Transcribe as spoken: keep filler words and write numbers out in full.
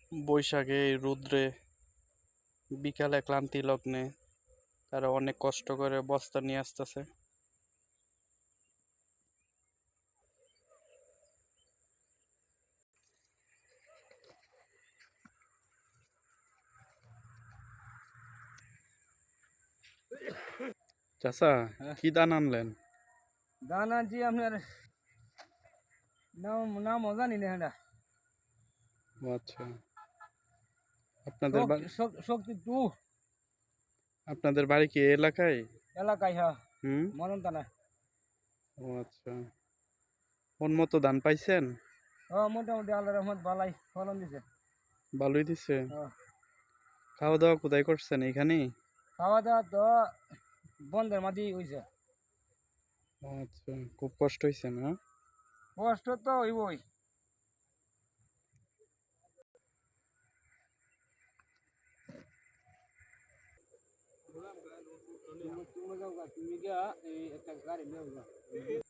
বৈশাখে এই রৌদ্রে বিকালে ক্লান্তি লগ্নে তারা অনেক কষ্ট করে বস্তা নিয়ে আসতেছে। চাচা, হ্যাঁ। কি ধান আনলেন? ধান আনছি আপনার নাম নাম জানি না এটা ও আচ্ছা, আপনাদের বাড়ি শক্তি টু আপনাদের বাড়ি কি এই এলাকায়? এলাকায়, হ্যাঁ। হুম। মরণ তা না। ও আচ্ছা, কোন মতো ধান পাইছেন? ও মোটামুটি আল্লাহ রহমত বালাই ফলন দিছে। ভালোই দিছে। হ্যাঁ। খাওয়া দাওয়া কোথায় করছেন? এখানেই? খাওয়া দাওয়া তো বন্ধের মাঝে হয়েছে। ও আচ্ছা, খুব কষ্ট হয়েছে না? কষ্ট তো হইবই। তুমি তুমি যাও গা, তুমি গিয়া এই একটা গাড়ি নিয়ে যাও।